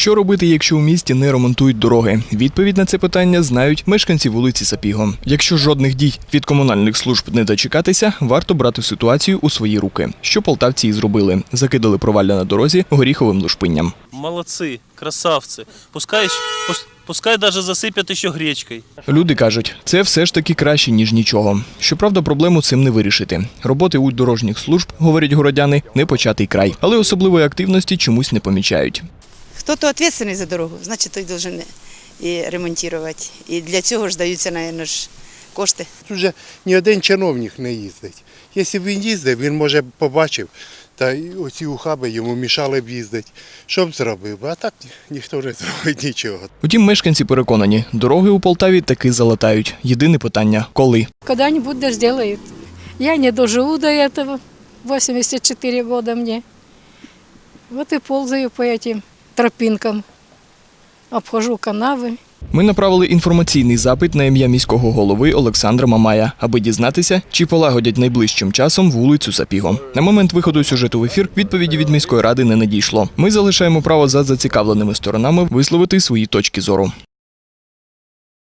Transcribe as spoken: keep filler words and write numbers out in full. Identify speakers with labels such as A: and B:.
A: Що робити, якщо у місті не ремонтують дороги? Відповідь на це питання знають мешканці вулиці Сапіго. Якщо жодних дій від комунальних служб не дочекатися, варто брати ситуацію у свої руки. Що полтавці і зробили. Закидали провалля на дорозі горіховим лушпинням.
B: Молодці, красавці. Пускай, пускай даже засипять ще гречкою.
A: Люди кажуть, це все ж таки краще, ніж нічого. Щоправда, проблему цим не вирішити. Роботи у дорожніх служб, говорять городяни, не початий край. Але особливої активності чомусь не помічають.
C: Хто-то відповідальний за дорогу, значить той повинен і ремонтувати. І для цього ж даються, мабуть, ж кошти.
D: Тут вже ні один чиновник не їздить. Якщо б він їздив, він, може, побачив, та оці ухаби йому мішали б їздити. Що б зробив? А так ніхто не зробить нічого.
A: Утім, мешканці переконані, дороги у Полтаві таки залатають. Єдине питання – коли?
E: Когда-нибудь да сделают. Я не доживу до этого. восемьдесят четыре года мне. Вот и ползаю по этим тропинкам. Обхожу канави.
A: Ми направили інформаційний запит на ім'я міського голови Олександра Мамая, аби дізнатися, чи полагодять найближчим часом вулицю Сапіго. На момент виходу сюжету в ефір відповіді від міської ради не надійшло. Ми залишаємо право за зацікавленими сторонами висловити свої точки зору.